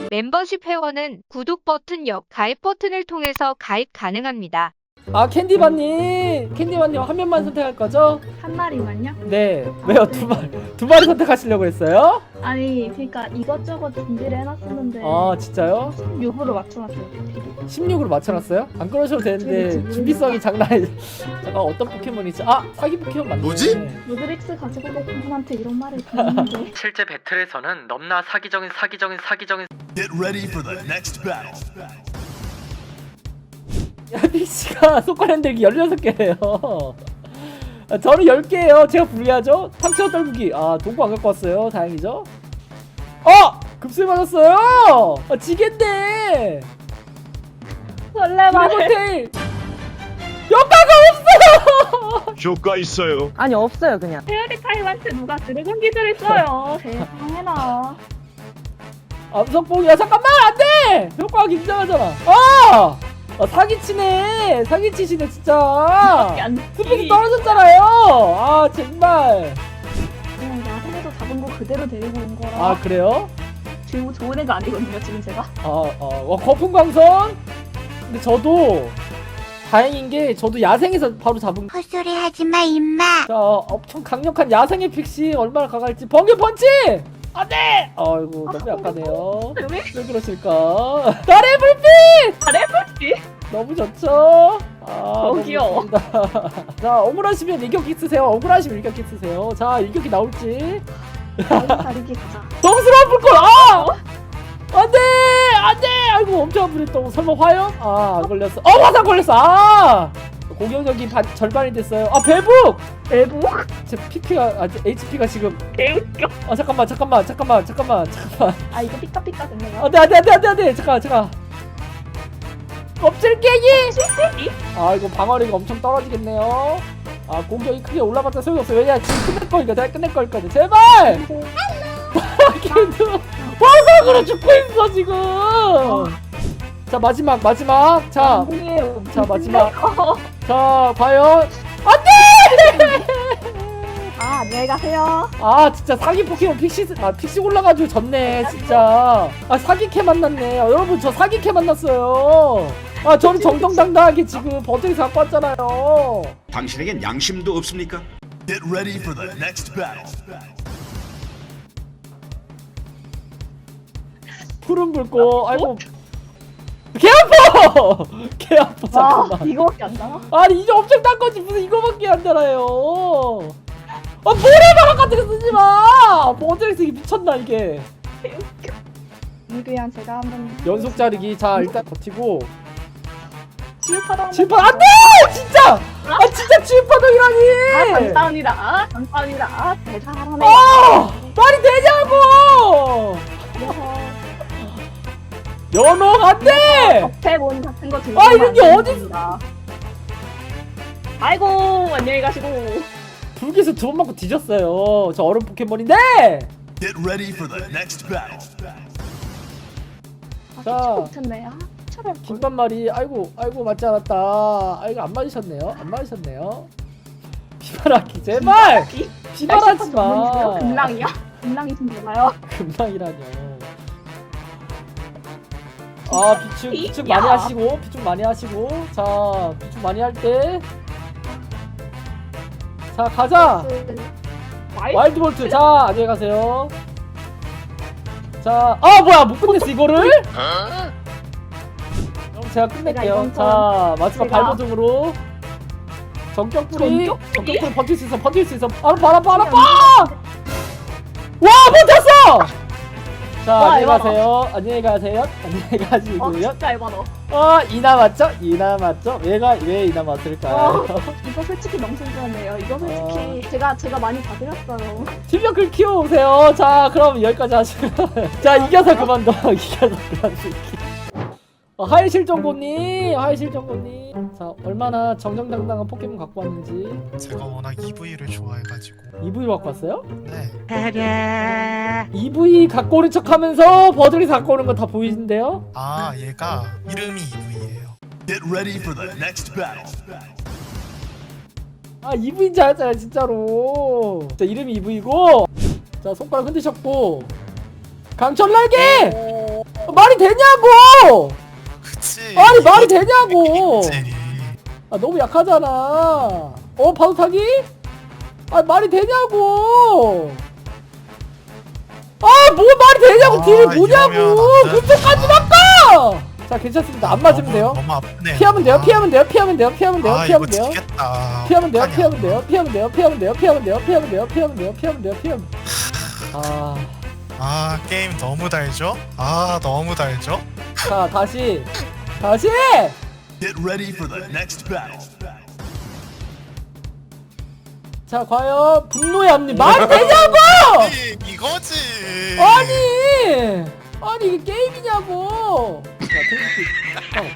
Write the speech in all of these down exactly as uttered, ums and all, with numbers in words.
멤버십 회원은 구독 버튼 옆 가입 버튼을 통해서 가입 가능합니다. 아 캔디바님 캔디바님 화면만 선택할 거죠? 한 마리만요? 네 왜요? 두 마리 두 마리 선택하시려고 했어요? 아니 그러니까 이것저것 준비를 해놨었는데 아 진짜요? 육으로 맞춰놨어요. 십육으로 맞춰놨어요? 안 그러셔도 되는데 준비성이 장난 아니 잠깐 어떤 포켓몬이지? 아 사기 포켓몬 맞네. 뭐지? 루드릭스 가지고 계신 분한테 이런 말을 듣는데 실제 배틀에서는 넘나 사기적인 사기적인 사기적인 Get ready for the next battle. 야 픽시가 손가락 흔들기 열여섯 개예요. 아, 저는 열 개예요. 제가 불리하죠? 상처 떨구기. 아 동구 안 갖고 왔어요. 다행이죠? 어! 급수에 맞았어요! 아 지겠네! 설레발 드래곤테일! 효과가 없어! 효과 있어요. 아니 없어요 그냥. 페어리 타임한테 누가 드래곤 기술을 써요. 세상에나. 암석봉이야 잠깐만 안돼! 효과가 굉장하잖아. 아! 아 사기치네. 사기치시네 진짜. 안 스펙이 떨어졌잖아요. 아 정말. 그냥 야생에서 잡은 거 그대로 데리고 온 거라. 아 그래요? 지금 좋은 애가 아니거든요 지금 제가. 아, 어, 와, 거품광선? 근데 저도 다행인 게 저도 야생에서 바로 잡은 헛소리 하지마 임마. 자, 엄청 강력한 야생의 픽시 얼마나 강할지 번개 펀치! 안돼! 아이고 너무 약하네요. 왜? 왜 그러실까? 나의 불빛! 잘해 볼지. 너무 좋죠? 아, 너무 저기요. 좋습니다. 자, 억울하시면 일격기 쓰세요. 억울하시면 일격기 쓰세요. 자, 일격기 나올지. 다리기 가자. 정스러운 불꽃! 아! 안돼! 안돼! 아이고 엄청 아프겠다. 설마 화염? 아, 안 걸렸어. 어, 화상 걸렸어. 아! 공격력이 반, 절반이 됐어요. 아, 배북! 대부? 제 피피가 아, 에이치피가 지금 개웃겨. 아, 잠깐만, 잠깐만, 잠깐만, 잠깐만, 잠깐만. 아 이거 삐까삐까 됐네요. 안돼, 안돼, 안돼, 안돼, 안돼. 잠깐, 잠깐. 껍질 깨기! 실패기? 아, 이거 방어력이 엄청 떨어지겠네요. 아, 공격이 크게 올라봤자 소용없어. 왜냐, 지금 끝낼 거니까, 내가 끝낼 거니까. 제발! 걔도 화상으로 죽고 있어 지금. 자 마지막 마지막 자, 자 마지막 자 과연 안돼. 아 안녕히 가세요. 아 진짜 사기 포켓몬 픽시 아 픽시 올라가지고 졌네 진짜. 아 사기캐 만났네. 아, 여러분 저 사기캐 만났어요. 아 저는 정정당당하게 지금 버튼이 갖고 왔잖아요. 당신에겐 양심도 없습니까? Get ready for the next battle. 푸른 불꽃. 아이고 개 아파. 개 아파 와 잠깐만. 이거밖에 안 나와? 아니 이제 엄청 딴 거지 무슨 이거밖에 안 달아요. 아 모래바람 같은 거 쓰지 마. 버튼이 쓰기 미쳤나 이게. 이그양 제가 한번 연속 자르기. 자 일단 버티고. 치유파동 지파 안돼 진짜. 아 진짜 아 지파동이라니. 감사합니다. 감사합니다. 대단하네. 아 말이 되냐고. 연옥 안돼. 적폐본 같은 거 들고 아, 이런 게 가면 안 어디- 됩니다. 아이고 안녕히 가시고. 불기에서 두 번 맞고 뒤졌어요. 저 얼음 포켓몬인데. Get ready for the next battle. 아, 자. 자 못했네. 아 차를 김반말이 아이고 아이고 맞지 않았다. 아 이거 안 맞으셨네요. 안 맞으셨네요. 비바라기 제발. 비바라지 마. 금랑이요? 금랑이 좀 되나요? 금방이라뇨. 아 비축 비축 야. 많이 하시고 비축 많이 하시고 자 비축 많이 할 때 자 가자. 와이 와일드 볼트. 자 안녕히 가세요. 자 아 뭐야 못 끝냈어 이거를? 그럼 제가 끝낼게요. 이번 자 마지막 제가- 발버둥으로 전격불이 전격불이? 전격불 버틸 수 있어 버틸 수 있어. 바로 바로 바로 빠! 와 버텼어! 자 와, 안녕히 이거다. 가세요. 안녕히 가세요. 안녕히 어 가시고요. 진짜 에바다. 어 이나 맞죠? 이나 맞죠? 얘가 왜 이나 맞을까요? 어, 이거 솔직히 너무 신기하네요. 이거 솔직히 제가 제가 많이 봐드렸어요. 실력을 키워오세요. 자 그럼 여기까지 하시고 자 이겨서 그만둬. 이겨서 그만둘게. 어, 하이 실정고님 하이 실정고님 자 얼마나 정정당당한 포켓몬 갖고 왔는지. 제가 워낙 이브이를 좋아해가지고. 이브이 갖고 왔어요? 네. 이브이 갖고 오는 척하면서 버들이 갖고 오는 거 다 보이는데요? 아 얘가 이름이 이브이예요. Get ready for the next battle. 아 이브이인 줄 알았잖아요 진짜로. 자 이름이 이브이고 자 손가락 흔드셨고 강철날개! 말이 되냐고! 그치. 아니 말이 되냐고! 그치. 아 너무 약하잖아. 어 파도 타기? 아 말이 되냐고! 아 뭐 말이 되냐고! 아, 딜이 뭐냐고! 이러면 안 돼. 그때까지 바꿔! 자 괜찮습니다. 안 맞으면 너무, 돼요. 너무 아프네. 피하면 돼요. 피하면 돼요. 피하면 돼요. 피하면 돼요. 아, 피하면 이거 돼요. 지겠다. 피하면 돼요. 어떡하냐. 피하면 돼요. 피하면 돼요. 피하면 돼요. 피하면 돼요. 피하면 돼요. 피하면 돼요. 피하면 돼요. 피하면 돼요. 아, 아, 게임 너무 달죠? 아, 너무 달죠? 자 다시 다시. Get ready for the next battle. 자 과연 분노의 앞니 말이 되냐고! 아니, 이거지. 아니 아니 이게 게임이냐고. 자 테이크.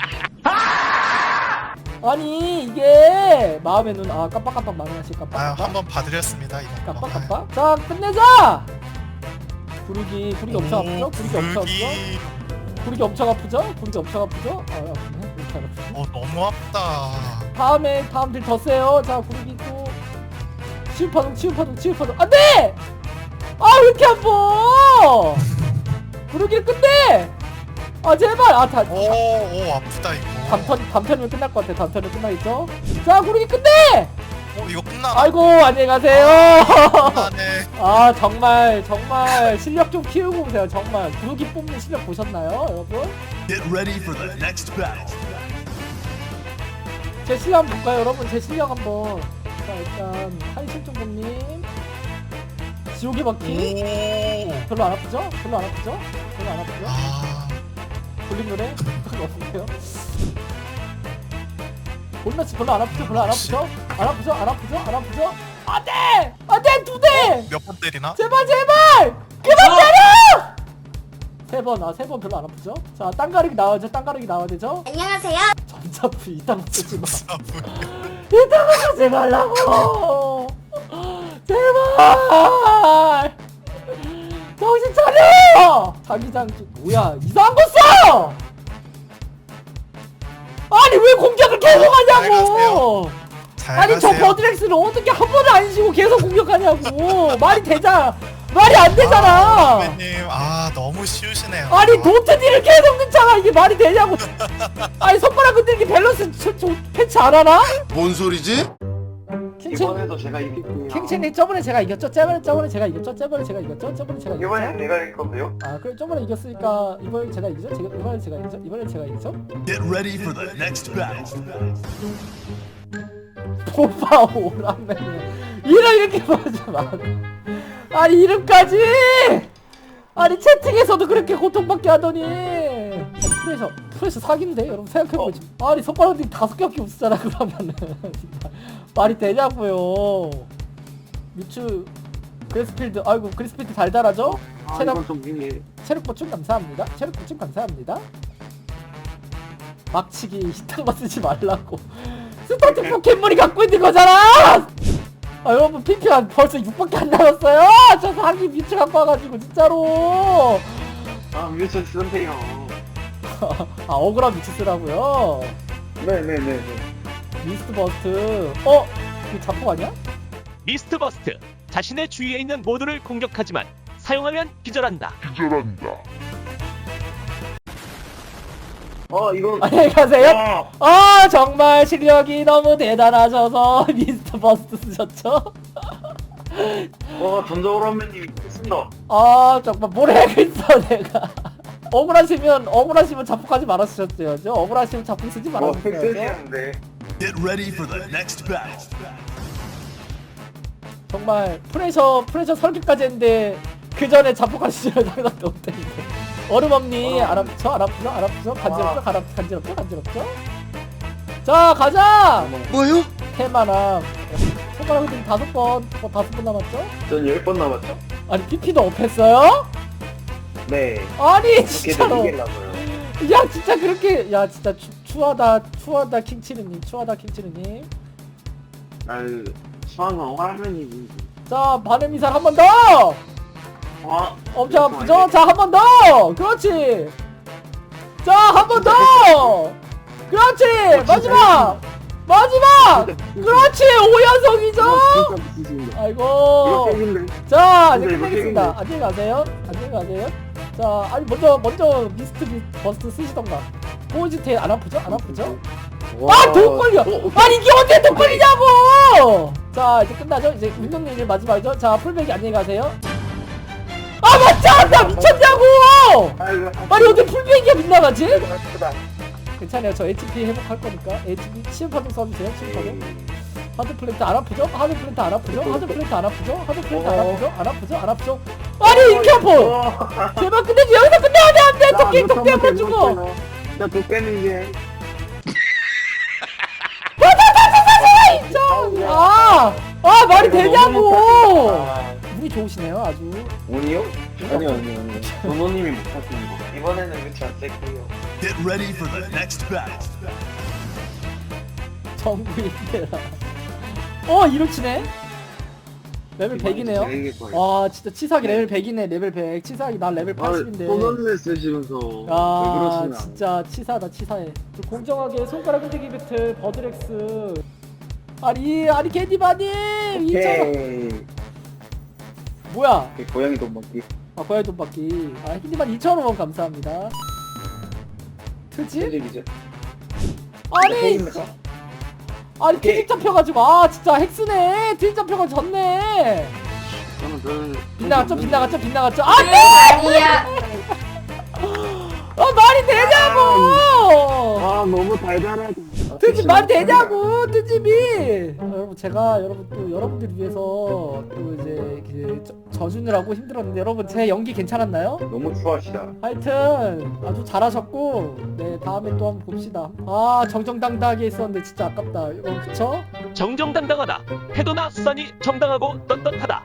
어. 아니 이게 마음의 눈. 아 깜빡깜빡 망하시 아, 깜빡깜빡. 한번 봐드렸습니다. 이거. 깜빡깜빡. 자 끝내자. 구르기 구르기 엄청 오, 아프죠? 구르기 엄청 아프죠? 구르기. 구르기 엄청 아프죠? 구르기 엄청 아프죠? 아 아프네. 구르기 안 아프죠? 어, 너무 아프다. 다음에 다음 딜 더 세요. 자 구르기 또 치유파동 치유파동 치유파동 안돼! 아 왜 이렇게 아파! 구르기를 끝내! 아 제발! 아다 오, 오, 아프다, 이거. 단편 단편이면 끝날 것 같아. 단편이면 끝나겠죠? 자 구르기 끝내! 어, 이거 끝나. 아이고 안녕히 가세요. 끝나네. 아 정말 정말 실력 좀 키우고 오세요. 정말 구르기 뽑는 실력 보셨나요 여러분? Get ready for the next battle. 제 실력 한번 볼까요 여러분? 제 실력 한번. 자 일단 하이실종범님 지옥의 바퀴 오. 별로 안 아프죠? 별로 안 아프죠? 별로 안 아프죠? 아, 볼링 노래? 별로 없는데요? 볼매치 별로 안 아프죠? 별로 안 아프죠? 안 아프죠? 안 아프죠? 안 아프죠? 안돼! 안돼! 두 대! 몇 번 때리나? 제발 제발! 그만 때려! 세 번, 아 세 번 별로 안 아프죠? 자 땅가르기 나와야죠? 땅가르기 나와야 되죠? 안녕하세요. 전자프 이딴 거 쓰지 마. 진짜 아프네. 이딴 거 쓰지 말라고! 제발! 정신 차려! 자기장 좀- 뭐야 이상한 거 써! 아니 왜 공격을 계속 잘 하냐고! 가세요. 잘 아니 저 가세요. 버드렉스를 어떻게 한 번을 안 쉬고 계속 공격하냐고! 말이 되자 말이 안 되잖아! 선배님, 아, 너무 쉬우시네요. 아니 노트디를 계속 넣잖아. 이게 말이 되냐고. 아니 손가락 흔들기 밸런스 저, 저 패치 안 하나? 뭔 소리지? 킹첸 이번에도 제가 이길게요. 킹첸이 저번에 제가 이겼죠? 저번에 저번에 제가 이겼죠? 저번에 제가 이겼죠? 저번에 제가 이번엔 이겼죠? 내가 이길 건데요? 아 그래 저번에 이겼으니까 이번에 제가 이기죠? 제가 이번에 제가 이기죠? 이번에 제가 이기죠? Get ready for the next battle. 오빠 오라면 이름 이렇게 보지 마. 아니 이름까지. 아니 채팅에서도 그렇게 고통받게 하더니. 아니, 프레셔 프레셔 사기인데 여러분 생각해보지. 아니 손가락 흔들기 다섯 개밖에 없었잖아 그러면은. 진짜 말이 되냐고요. 뮤츠 그레스필드 아이고 그레스필드 달달하죠? 아 체력 이건 좀 미미. 체력 보충 감사합니다. 체력 보충 감사합니다. 막치기 히탕만 쓰지 말라고. 스타트 포켓몬이 갖고 있는 거잖아! 아 여러분 피피가 벌써 육밖에 안 남았어요! 저 사기 뮤츠 갖고 와가지고 진짜로! 아 뮤츠 쓰세요. 아 억울한 뮤츠 쓰라고요? 네네네네. 미스트 버스트 어? 이거 자폭 아니야? 미스트 버스트. 자신의 주위에 있는 모두를 공격하지만 사용하면 기절한다. 어 이건. 안녕히 가세요! 아, 아 정말 실력이 너무 대단하셔서 미스트 버스트 쓰셨죠? 어 전자오라면님 있습니다. 아 정말 뭘 해야겠어 내가. 억울하시면 억울하시면 자폭하지 말았으셨어야죠. 억울하시면 자폭 쓰지 어 말았어야죠. 팩스시는데. Get ready for the next battle. 정말 프레셔 프레셔 설계까지 했는데 그 전에 자폭하시면 상관도 없다는데. 얼음엄니 안 아프죠? 안 아프죠? 안 아프죠? 간지럽죠? 간 아프- 간지럽죠? 간지럽죠? 자 가자! 뭐요? 테마랑 손가락 흔들기 다섯 번 어, 다섯 번 남았죠? 전 열 번 남았죠? 아니 피피도 업했어요? 네. 아니 어떻게든 진짜로 이기려고요. 야 진짜 그렇게 야 진짜 추, 추하다 추하다 킹치르님 추하다 킹치르님. 아유 수학은 오라면이. 자 반응 미사일 한 번 더! 와. 엄청 아프죠? 자 한 번 더! 그렇지! 자 한 번 더! 그렇지! 마지막! 마지막! 그렇지! 오연성이죠? 아이고 이거 팩인데. 자 이제 근데 이거 끝내겠습니다. 팩인데. 안녕히 가세요. 안녕히 가세요. 자, 아니 먼저 먼저 미스트 비, 버스트 쓰시던가. 포지테 안 아프죠? 안 아프죠? 아, 돈 걸려. 아니 이게 어떻게 돈 걸리냐고. 자, 이제 끝나죠? 이제 운동님 이제 마지막이죠? 자, 풀백이 안녕히 가세요. 아, 맞잖아. 나 미쳤냐고. 아이고, 아니 어떻게 풀백이가 빗나가지? 아프다. 괜찮아요. 저 에이치피 회복할 거니까. 에이치피 치유파동 써주세요. 치유파동. 하드 플랜트 안 아프죠? 하드 플랜트 안 아프죠? 하드 플랜트 안 아프죠? 하드 플랜트 안 아프죠? 안 아프죠? 안 아프죠? 아니 인캐포! 제발 끝내지. 여기서 끝내야 돼. 안 돼. 토끼 토끼 한번 주고. 나 도깨는 이제. 아! 아 말이 되냐고! 운이 좋으시네요 아주. 운이요? 아니요, 아니요, 아니요. 도노님이 못 하시는 거. 이번에는 그치 안 셀게요. Get ready for the next battle. 정구인데라. 어 이렇지네. 레벨 백이네요. 와 진짜 치사하게 레벨 백이네. 레벨 백. 치사하게 나 레벨 팔십인데. 도노님 쓰시면서. 아 왜 그러시나. 진짜 치사하다 치사해. 공정하게 손가락 흔들기 배틀 버드렉스. 아니 아니 캔디바님 이천 원. 오케이. 뭐야? 고양이 돈 먹기. 아 고양이 돈 받기. 아 캔디바님 이천 원 감사합니다. 트집? 트집이죠. 아니 아니 트집 잡혀가지고 아 진짜 핵스네. 트집 잡혀가지고 졌네. 저는 저는. 빗나갔죠 빗나갔죠 빗나갔죠. 안돼. 아니야. 아 말이 되냐고. 아 너무 달달하다. 트집 말이 되냐고 트집이. 아, 여러분 제가 여러분 또 여러분들 위해서 또 이제 그 저, 져주느라고 힘들었는데 여러분 제 연기 괜찮았나요? 너무 추하시다. 하여튼 아주 잘하셨고 네 다음에 또 한번 봅시다. 아 정정당당하게 했었는데 진짜 아깝다. 여러분 그쵸? 정정당당하다. 태도나 수단이 정당하고 떳떳하다.